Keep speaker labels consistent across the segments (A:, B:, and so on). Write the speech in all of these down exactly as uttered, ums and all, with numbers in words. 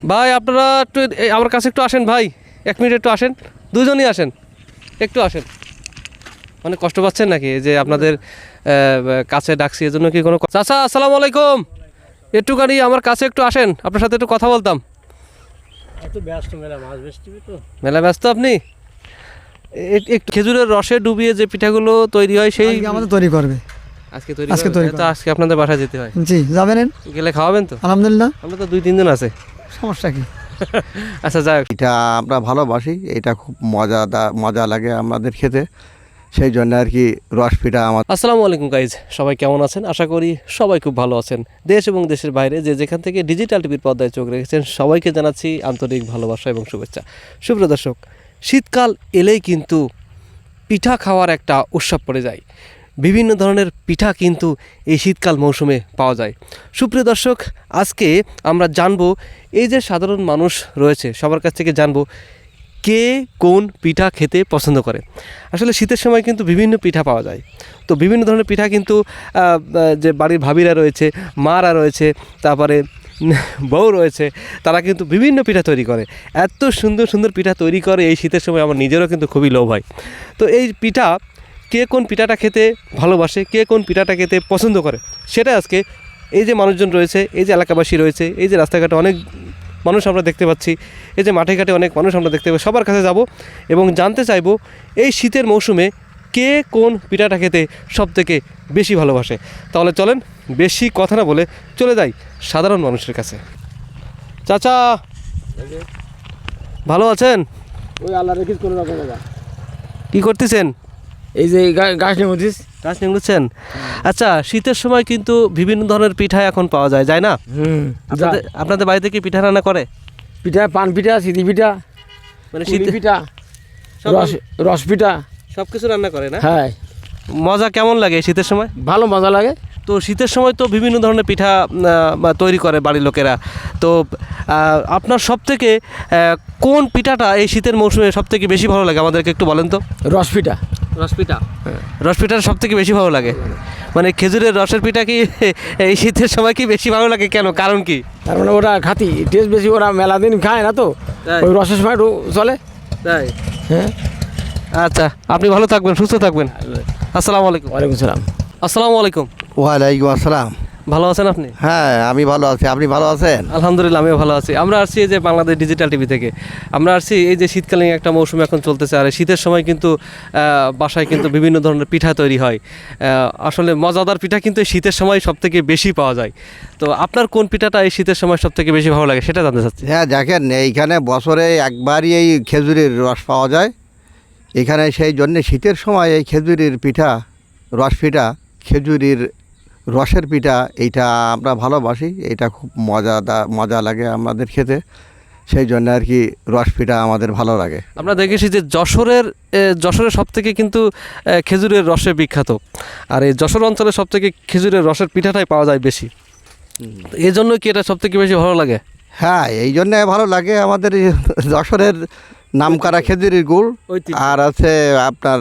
A: ভাই আপনারা একটু আমার কাছে একটু আসেন ভাই, এক মিনিট একটু আসেন, দুজনই আসেন, একটু আসেন। মানে কষ্ট পাচ্ছেন নাকি যে আপনাদের কাছে ডাকছি এজন্য কি কোনো? চাচা আসসালামু আলাইকুম, একটুখানি আমার কাছে একটু আসেন, আপনার সাথে একটু কথা বলতাম। মেলা ব্যস্ত আপনি? একটু খেজুরের রসে ডুবিয়ে যে পিঠাগুলো তৈরি হয় সেই
B: আমাদের তৈরি করবে
A: আজকে তৈরি আজকে তৈরি তো আজকে আপনাদের বাসায় যেতে হয়।
B: জি যাবেন,
A: গেলে খাওয়াবেন তো?
B: আলহামদুলিল্লাহ,
A: আমরা তো দুই তিনজন আছে,
B: সমস্যা কি?
A: আচ্ছা যাক,
C: এটা আমরা ভালোবাসি, এটা খুব মজাদার মজা লাগে আমাদের খেতে, সেই জন্য আর কি রস পিঠা আমার।
A: আসসালামু আলাইকুম গাইজ, সবাই কেমন আছেন? আশা করি সবাই খুব ভালো আছেন। দেশ এবং দেশের বাইরে যে যেখান থেকে ডিজিটাল টিভির পর্দায় চোখ রেখেছেন সবাইকে জানাচ্ছি আন্তরিক ভালোবাসা এবং শুভেচ্ছা। সুপ্রিয় দর্শক, শীতকাল এলেই কিন্তু পিঠা খাওয়ার একটা উৎসব পড়ে যায়। বিভিন্ন ধরনের পিঠা কিন্তু এই শীতকাল মৌসুমে পাওয়া যায়। সুপ্রিয় দর্শক, আজকে আমরা জানবো এই যে সাধারণ মানুষ রয়েছে সবার কাছ থেকে জানবো কে কোন পিঠা খেতে পছন্দ করে। আসলে শীতের সময় কিন্তু বিভিন্ন পিঠা পাওয়া যায়, তো বিভিন্ন ধরনের পিঠা কিন্তু যে বাড়ির ভাবিরা রয়েছে, মারা রয়েছে, তারপরে বউ রয়েছে, তারা কিন্তু বিভিন্ন পিঠা তৈরি করে। এত সুন্দর সুন্দর পিঠা তৈরি করে এই শীতের সময় আমার নিজেরও কিন্তু খুবই লোভ হয়। তো এই পিঠা কে কোন পিঠাটা খেতে ভালোবাসে, কে কোন পিঠাটা খেতে পছন্দ করে, সেটা আজকে এই যে মানুষজন রয়েছে, এই যে এলাকাবাসী রয়েছে, এই যে রাস্তাঘাটে অনেক মানুষ আমরা দেখতে পাচ্ছি, এই যে মাঠে ঘাটে অনেক মানুষ আমরা দেখতে পাচ্ছি, সবার কাছে যাব এবং জানতে চাইব এই শীতের মৌসুমে কে কোন পিঠাটা খেতে সবথেকে বেশি ভালোবাসে। তাহলে চলেন বেশি কথা না বলে চলে যাই সাধারণ মানুষের কাছে। চাচা ভালো আছেন?
B: ওই আল্লাহ রেখিস কোনো রকম বাবা।
A: কী করতেছেন?
B: এই যে গাছ নেমুছিস,
A: গাছ নিংড়েছেন? আচ্ছা, শীতের সময় কিন্তু বিভিন্ন ধরনের পিঠা এখন পাওয়া যায়, যায় না?
B: হুম,
A: আপনাদের আপনাদের বাড়িতে কি পিঠা রান্না করে?
B: পিঠা, পান পিঠা, সিদ্ধি পিঠা,
A: মানে
B: শীত
A: শীত
B: পিঠা, রস রস পিঠা,
A: সব কিছু রান্না করে না?
B: হ্যাঁ।
A: মজা কেমন লাগে শীতের সময়?
B: ভালো মজা লাগে।
A: তো শীতের সময় তো বিভিন্ন ধরনের পিঠা তৈরি করে বাড়ির লোকেরা। তো আপনার সব থেকে কোন পিঠাটা এই শীতের মৌসুমে সব থেকে বেশি ভালো লাগে আমাদেরকে একটু বলেন তো।
B: রস পিঠা।
A: রস পিঠা? রস পিঠাটা সব থেকে বেশি ভালো লাগে? মানে খেজুরের রসের পিঠা কি এই শীতের সময় কি বেশি ভালো লাগে, কেন, কারণ কি?
B: তার মানে ওরা খাতি টেস্ট বেশি, ওরা মেলা দিন খায় না তো, ওই রসের সময় একটু চলে।
A: তাই?
B: হ্যাঁ।
A: আচ্ছা, আপনি ভালো থাকবেন, সুস্থ থাকবেন। আসসালামু আলাইকুম।
B: ওয়ালাইকুম সালাম।
A: আসসালামু আলাইকুম।
C: ওয়ালাইকুম আসসালাম।
A: ভালো আছেন আপনি?
C: হ্যাঁ আমি ভালো আছি, আপনি ভালো আছেন?
A: আলহামদুলিল্লাহ, আমিও ভালো আছি। আমরা আসছি এই যে বাংলাদেশ ডিজিটাল টিভি থেকে। আমরা আসছি এই যে শীতকালীন একটা মৌসুম এখন চলতেছে, আর শীতের সময় কিন্তু বাসায় কিন্তু বিভিন্ন ধরনের পিঠা তৈরি হয়। আসলে মজাদার পিঠা কিন্তু এই শীতের সময় সব থেকে বেশি পাওয়া যায়। তো আপনার কোন পিঠাটা এই শীতের সময় সব থেকে বেশি ভালো লাগে সেটা জানতে চাচ্ছি।
C: হ্যাঁ দেখেন, এইখানে বছরে একবারই এই খেজুরের রস পাওয়া যায় এখানে, সেই জন্যে শীতের সময় এই খেজুরের পিঠা, রস পিঠা, খেজুরের রসের পিঠা, এইটা আমরা ভালোবাসি, এটা খুব মজাদার মজা লাগে আমাদের খেতে, সেই জন্য আর কি রস পিঠা আমাদের ভালো লাগে।
A: আমরা দেখেছি যে যশোরের যশোরের সব থেকে কিন্তু খেজুরের রসে বিখ্যাত, আর এই যশোর অঞ্চলে সব থেকে খেজুরের রসের পিঠাটাই পাওয়া যায় বেশি, এই জন্য কি এটা সব থেকে বেশি ভালো লাগে?
C: হ্যাঁ এই জন্যে ভালো লাগে, আমাদের যশোরের নামকরা খেজুরের গুড়, আর আছে আপনার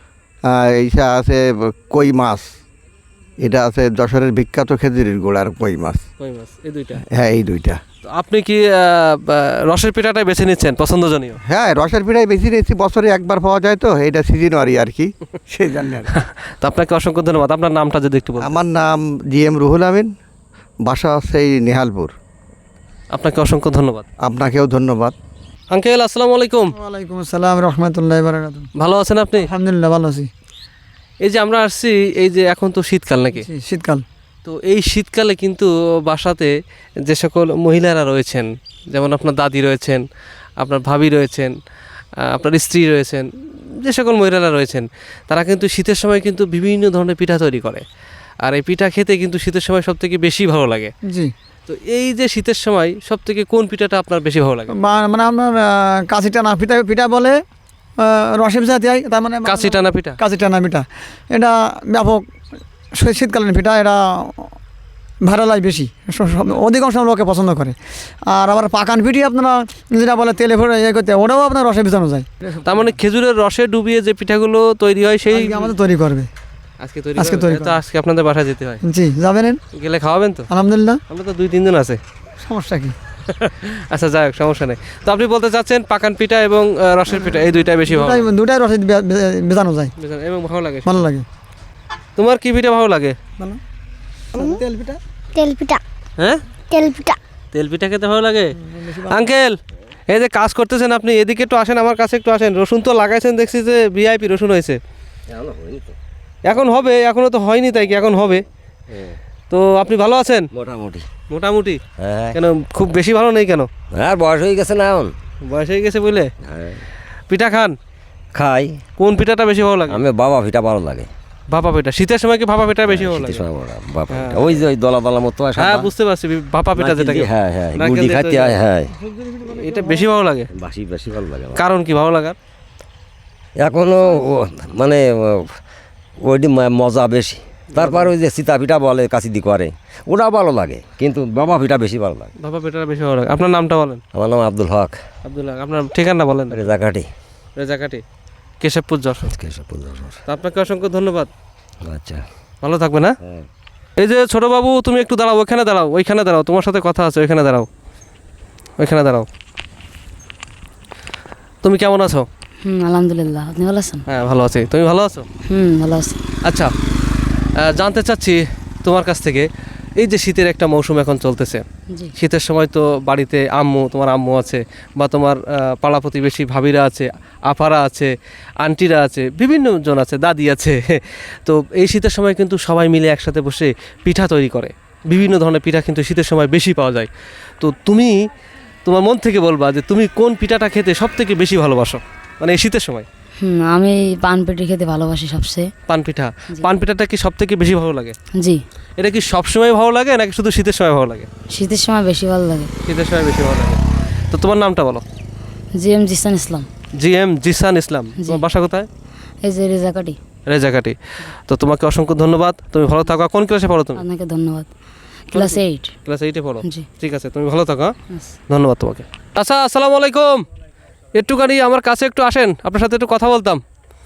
C: এইটা আছে কই মাছ, এটা আছে যশোরের বিখ্যাত খেজুরের গুড় আর কই মাছ।
A: কই মাছ, এই দুইটা?
C: হ্যাঁ এই দুইটা।
A: আপনি কি রসের পিঠাটাই বেছে নিচ্ছেন পছন্দজনীয়?
C: হ্যাঁ রসের পিঠাই বেশি নিচ্ছি, বছরে একবার পাওয়া যায় তো, এটা সিজনারি আর কি, সেই জন্য।
A: তো আপনাকে অসংখ্য ধন্যবাদ। আপনার নামটা যদি একটু বলেন।
C: আমার নাম জি এম রুহুল আমিন, বাসা হচ্ছে এই নেহালপুর।
A: আপনাকে অসংখ্য ধন্যবাদ।
C: আপনাকেও ধন্যবাদ।
A: আঙ্কেল আসসালামু আলাইকুম।
B: ওয়ালাইকুম আসসালাম রহমতুল্লাহি ওয়া বারাকাতুহু।
A: ভালো আছেন আপনি?
B: আলহামদুলিল্লাহ ভালো আছি।
A: এই যে আমরা আসছি, এই যে এখন তো শীতকাল নাকি?
B: শীতকাল।
A: তো এই শীতকালে কিন্তু বাসাতে যে সকল মহিলারা রয়েছেন, যেমন আপনার দাদি রয়েছেন, আপনার ভাবি রয়েছেন, আপনার স্ত্রী রয়েছেন, যে সকল মহিলারা রয়েছেন, তারা কিন্তু শীতের সময় কিন্তু বিভিন্ন ধরনের পিঠা তৈরি করে, আর এই পিঠা খেতে কিন্তু শীতের সময় সব থেকে বেশি ভালো লাগে।
B: জি।
A: তো এই যে শীতের সময় সব থেকে কোন পিঠাটা আপনার বেশি ভালো লাগে?
B: মানে আপনার কাশি টানা পিঠা পিঠা বলে, রসে পিঠা দেয়, তার মানে
A: কাশি টানা পিঠা।
B: কাশি টানা পিঠা এটা ব্যাপক শীতকালীন পিঠা, এটা ভালো লাগে বেশি, অধিকাংশ লোকে পছন্দ করে। আর আবার পাকান পিঠি আপনারা যেটা বলে তেলে ভরে ইয়ে করতে, ওটাও আপনার রসে ভিজানো যায়।
A: তার মানে খেজুরের রসে ডুবিয়ে যে পিঠাগুলো তৈরি হয় সেই
B: আমাদের তৈরি করবে
A: আজকে তৈরি
B: আজকে তৈরি
A: তো আজকে আপনাদের বাসায় যেতে হয়।
B: জি যাবেন,
A: গেলে খাওয়াবেন তো?
B: আলহামদুলিল্লাহ,
A: আমরা তো দুই তিনজন আছে,
B: সমস্যা কি?
A: আচ্ছা যাই হোক, সমস্যা নেই। তো আপনি বলতে চাচ্ছেন পাকান পিঠা এবং আহ, রসের পিঠা এই দুইটাই বেশি ভালো
B: দুটাই দুটাই রসে বে- বে- বেজানো যায়,
A: বুঝলেন? এবং ভালো লাগে।
B: ভালো লাগে।
A: তোমার কি পিঠা ভালো লাগে?
B: ভালো তেল পিঠা,
D: তেল পিঠা
A: হ্যাঁ,
D: তেল পিঠা
A: তেল পিঠা খেতে ভালো লাগে। আঙ্কেল, এই যে কাজ করতেছেন আপনি, এদিকে একটু আসেন, আমার কাছে একটু আসেন। রসুন তো লাগাইছেন, দেখছি যে ভিআইপি রসুন হয়েছে। এখন হবে, এখনো তো হয়নি, তাই কি এখন হবে? তো আপনি ভালো আছেন?
E: মোটামুটি।
A: মোটামুটি।
E: হ্যাঁ
A: কেন খুব বেশি ভালো নেই কেন?
E: হ্যাঁ, বয়স হয়ে গেছে না এখন।
A: বয়স হয়ে গেছে বলে?
E: হ্যাঁ,
A: পিঠা খান?
E: খাই।
A: কোন পিঠাটা বেশি ভালো লাগে?
E: আমি বাবা পিঠা ভালো লাগে।
A: ভাপা পিঠা। শীতের সময় কি ভাপা পিঠা বেশি ভালো লাগে?
E: শীতের সময় বড় বাবা পিঠা, ওই যে ওই দলা দলা মতো হয়
A: হ্যাঁ,
E: সাদা।
A: বুঝতে পারছি, ভাপা পিঠা যেটা।
E: হ্যাঁ হ্যাঁ,
A: নারকেল
E: গুড়ি
A: দিয়ে
E: খাইতে
A: তৈরি।
E: হয়। হ্যাঁ,
A: এটা বেশি ভালো লাগে।
E: বাসি বেশি ভালো লাগে আমার।
A: কারণ কি ভালো লাগার?
E: এখনো ও- মানে ও- ওইটি ম- মজা বেশি। তারপর ওই যে সীতা পিঠা বলে কাশি দি করে, ওটা ভালো লাগে, কিন্তু বাবা পিঠা বেশি ভালো লাগে।
A: ভাপা পিঠাটা বেশি ভালো লাগে। আপনার নামটা বলেন।
E: আমার নাম আব্দুল হক,
A: আব্দুল্লাহ। আপনার ঠিকানা বলেন।
E: রেজাকাঠি।
A: রেজাকাটি, কেশবপুর, যশোর।
E: কেশবপুর, যশোর।
A: তো আপনাকে অসংখ্য ধন্যবাদ।
E: আচ্ছা,
A: ভালো থাকবে না?
E: হ্যাঁ।
A: এই যে ছোট বাবু, তুমি একটু দাঁড়াও, ওইখানে দাঁড়াও, ওইখানে দাঁড়াও, তোমার সাথে কথা আছে, ওইখানে দাঁড়াও, ওইখানে দাঁড়াও। তুমি কেমন আছো?
F: হুম আলহামদুলিল্লাহ, আপনি ভালো আছেন?
A: হ্যাঁ, ভালো আছি। তুমি ভালো আছো?
F: হুম ভালো আছি।
A: আচ্ছা, আহ, জানতে চাচ্ছি তোমার কাছ থেকে, এই যে শীতের একটা মৌসুম এখন চলতেছে,
F: জি
A: শীতের সময় তো বাড়িতে আম্মু, তোমার আম্মু আছে, বা তোমার আহ, পাড়া প্রতিবেশী ভাবিরা আছে, আপারা আছে, আন্টিরা আছে, বিভিন্ন জন আছে, দাদি আছে। তো এই শীতের সময় কিন্তু সবাই মিলে একসাথে বসে পিঠা তৈরি করে। বিভিন্ন ধরনের পিঠা কিন্তু শীতের সময় বেশি পাওয়া যায়। তো তুমি তোমার মন থেকে বলবা যে তুমি কোন পিঠাটা খেতে সব থেকে বেশি ভালোবাসো, মানে এই শীতের সময়?
F: হুম আমি পান পেটি খেতে ভালোবাসি সবচেয়ে।
A: পান পিঠা।
F: জি।
A: পান পিঠাটা কি সব থেকে বেশি ভালো লাগে?
F: জি,
A: এটা কি সব সময় ভালো লাগে নাকি শুধু শীতের সময় ভালো লাগে?
F: শীতের সময় বেশি ভালো লাগে।
A: শীতের সময় বেশি ভালো লাগে। তো তোমার নামটা বলো।
F: G M Zisan Islam.
A: G M Zisan Islam.
F: জি।
A: তোমার বাসা কোথায়?
F: এই যে রেজাকাটি।
A: রেজাকাটি। তো তোমাকে অসংখ্য ধন্যবাদ, তুমি ভালো থাকো। কোন ক্লাসে পড়ো তুমি?
F: আপনাকে ধন্যবাদ। Class eight.
A: ক্লাস এইটে পড়ো।
F: জি
A: ঠিক আছে, তুমি ভালো থাকো। হ্যাঁ?
F: আচ্ছা।
A: ধন্যবাদ তোমাকে। আচ্ছা, আসসালামু আলাইকুম। একটুখানি আমার কাছে একটু আসেন, আপনার সাথে একটু কথা বলতাম।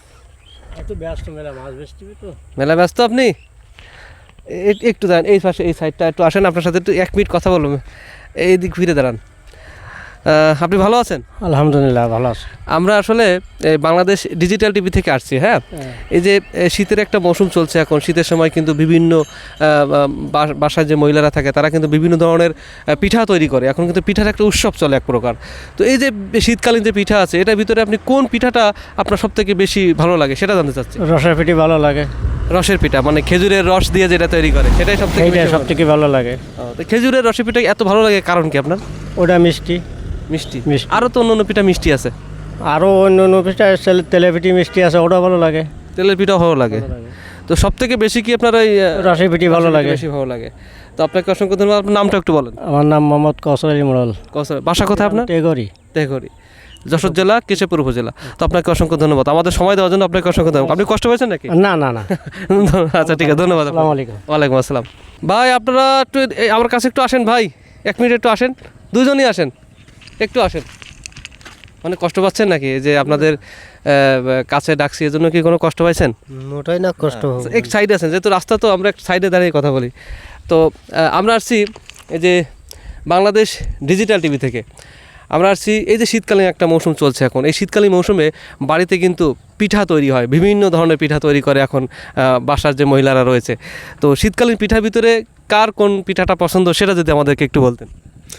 A: মেলা ব্যস্ত আপনি? এ- একটু দাঁড়ান, এই পাশে এই সাইডটা একটু আসেন, আপনার সাথে একটু এক মিনিট কথা বলবো। এই দিক ফিরে দাঁড়ান। আহ, আপনি ভালো আছেন?
G: আলহামদুলিল্লাহ ভালো আছে।
A: আমরা আসলে এই বাংলাদেশ ডিজিটাল টিভি থেকে আসছি। হ্যাঁ, এই যে এ, শীতের একটা মৌসুম চলছে এখন, শীতের সময় কিন্তু বিভিন্ন আহ, বা- বাসায় যে মহিলারা থাকে তারা কিন্তু বিভিন্ন ধরনের আহ, পিঠা তৈরি করে। এখন কিন্তু পিঠার একটা উৎসব চলে এক প্রকার। তো এই যে শীতকালীন যে পিঠা আছে, এটার ভিতরে আপনি কোন পিঠাটা আপনার সব থেকে বেশি ভালো লাগে সেটা জানতে চাচ্ছি।
G: রসের পিঠি ভালো লাগে,
A: রসের পিঠা, মানে খেজুরের রস দিয়ে যেটা তৈরি করে সেটাই সব থেকে
G: এইটা সব থেকে ভালো লাগে।
A: খেজুরের রসের পিঠা এত ভালো লাগে কারণ কি আপনার?
G: ওটা মিষ্টি
A: মিষ্টি।
G: মিষ্টি।
A: আরও তো অন্য অন্য পিঠা মিষ্টি আছে।
G: আরও অন্য অন্য পিঠা তেলে পিঠি মিষ্টি আছে, ওটা ভালো লাগে।
A: তেলের পিঠাও ভালো লাগে। তো সব থেকে বেশি কি আপনার ওই আহ,
G: রসের পিঠি ভালো
A: রসের
G: লাগে।
A: বেশি ভালো লাগে। তো আপনাকে অসংখ্য ধন্যবাদ। আপনার নামটা একটু বলেন।
G: আমার নাম মোহাম্মদ কৌশল আলী মোড়ল,
A: কৌশল। বাসা কোথায় আপনার?
G: টেগরি।
A: তেহরি, যশোর জেলা, কেশবপুর উপজেলা। তো আপনাকে অসংখ্য ধন্যবাদ, আমাদের সময় দেওয়ার জন্য আপনাকে অসংখ্য ধন্যবাদ। আপনি কষ্ট পেয়েছেন নাকি?
G: না না না,
A: আচ্ছা ঠিক আছে, ধন্যবাদ।
G: আসসালামু আলাইকুম।
A: ওয়ালাইকুম আসসালাম। ভাই আপনারা একটু এই আমার কাছে একটু আসেন ভাই, এক মিনিট একটু আসেন, দুজনই আসেন, একটু আসেন। মানে কষ্ট পাচ্ছেন নাকি এই যে আপনাদের আহ, কাছে ডাকছি, এজন্য কি কোনো কষ্ট পাইছেন?
G: ওটাই না কষ্ট
A: আচ্ছা, এক সাইডে আছেন, যেহেতু রাস্তা, তো আমরা এক সাইডে দাঁড়িয়ে কথা বলি। তো আহ, আমরা আসছি এই যে বাংলাদেশ ডিজিটাল টিভি থেকে। আমরা আসছি এই যে শীতকালীন একটা মৌসুম চলছে এখন, এই শীতকালীন মৌসুমে বাড়িতে কিন্তু পিঠা তৈরি হয়, বিভিন্ন ধরনের পিঠা তৈরি করে এখন আহ, বাসার যে মহিলারা রয়েছে। তো শীতকালীন পিঠার ভিতরে কার কোন পিঠাটা পছন্দ সেটা যদি আমাদেরকে একটু বলতেন।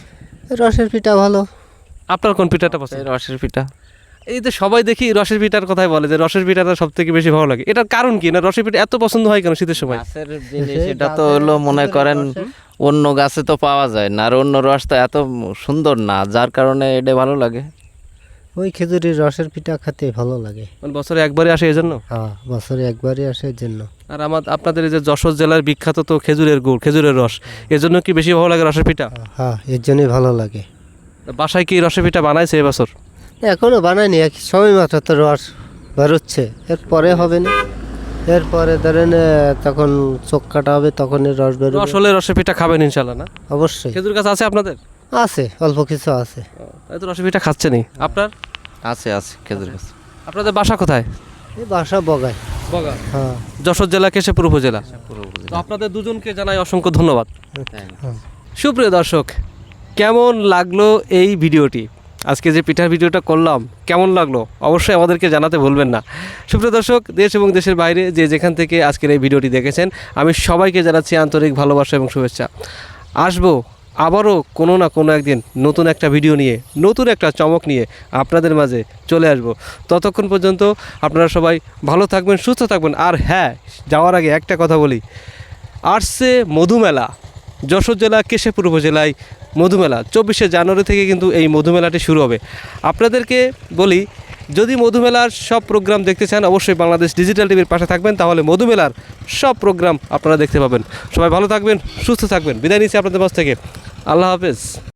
H: রসের পিঠা ভালো।
A: আপনার কোন পিঠাটা পছন্দ?
H: রসের পিঠা
A: এই যে সবাই দেখি রসের পিঠার কথাই বলে, যে রসের পিঠাটা সব থেকে বেশি ভালো লাগে। এটার কারণ কি, না রসের পিঠা এত পছন্দ হয় কেন শীতের সময়?
H: গাছের জিনিস, এটা তো হলো মনে করেন অন্য গাছে তো পাওয়া যায় না, আর অন্য রস তো এত সুন্দর না, যার কারণে এটা ভালো লাগে।
I: ওই খেজুরের রসের পিঠা খেতে ভালো লাগে।
A: মানে বছরে একবারই আসে এই জন্য?
I: হ্যাঁ, বছরে একবারই আসে এর জন্য।
A: আর আমার আপনাদের এই যে যশোর জেলার বিখ্যাত তো খেজুরের গুড়, খেজুরের রস, এজন্য কি বেশি ভালো লাগে রসের পিঠা?
I: হ্যাঁ, এর জন্যই ভালো লাগে।
A: বাসায় কি রসের পিঠা বানাইছে এবছর?
I: এখনো বানায়নি, এক সময় মাত্র তো রস বেরোচ্ছে, এরপরে হবে না। এরপরে ধরেন আহ, তখন চোখ কাটা হবে, তখন এর রস বেরোবে।
A: রস হলে রসের পিঠা খাবেন ইনশাল্লাহ না?
I: অবশ্যই
A: খেজুর গাছ আছে আপনাদের?
I: আছে, অল্প কিছু আছে।
A: এই তো রসের পিঠা খাচ্ছেনই। আপনার?
H: আছে আছে খেজুর গাছ।
A: আপনাদের বাসা কোথায়?
I: এই বাসা বগায়।
A: বগা,
I: হ্যাঁ,
A: যশোর জেলা, কেশবপুর উপজেলা।
H: পুরো উপজেলা।
A: তো আপনাদের দুজনকে জানাই অসংখ্য ধন্যবাদ।
H: হ্যাঁ।
A: সুপ্রিয় দর্শক, কেমন লাগলো এই ভিডিওটি? আজকে যে পিঠার ভিডিওটা করলাম কেমন লাগলো অবশ্যই আমাদেরকে জানাতে ভুলবেন না। সুপ্রিয় দর্শক, দেশ এবং দেশের বাইরে যে যেখান থেকে আজকের এই ভিডিওটি দেখেছেন, আমি সবাইকে জানাচ্ছি আন্তরিক ভালোবাসা এবং শুভেচ্ছা। আসবো আবারও কোনো না কোনো একদিন নতুন একটা ভিডিও নিয়ে, নতুন একটা চমক নিয়ে আপনাদের মাঝে চলে আসব। ততক্ষণ পর্যন্ত আপনারা সবাই ভালো থাকবেন, সুস্থ থাকবেন। আর হ্যাঁ, যাওয়ার আগে একটা কথা বলি, আসছে মধুমেলা, যশোর জেলা কেশবপুর উপজেলায় মধুমেলা। চব্বিশে জানুয়ারি থেকে কিন্তু এই মধুমেলাটি শুরু হবে। আপনাদেরকে বলি, যদি মধুমেলার সব প্রোগ্রাম দেখতে চান অবশ্যই বাংলাদেশ ডিজিটাল টিভির পাশে থাকবেন, তাহলে মধুমেলার সব প্রোগ্রাম আপনারা দেখতে পাবেন। সবাই ভালো থাকবেন, সুস্থ থাকবেন। বিদায় নিচ্ছি আপনাদের পাশ থেকে। আল্লাহ হাফেজ।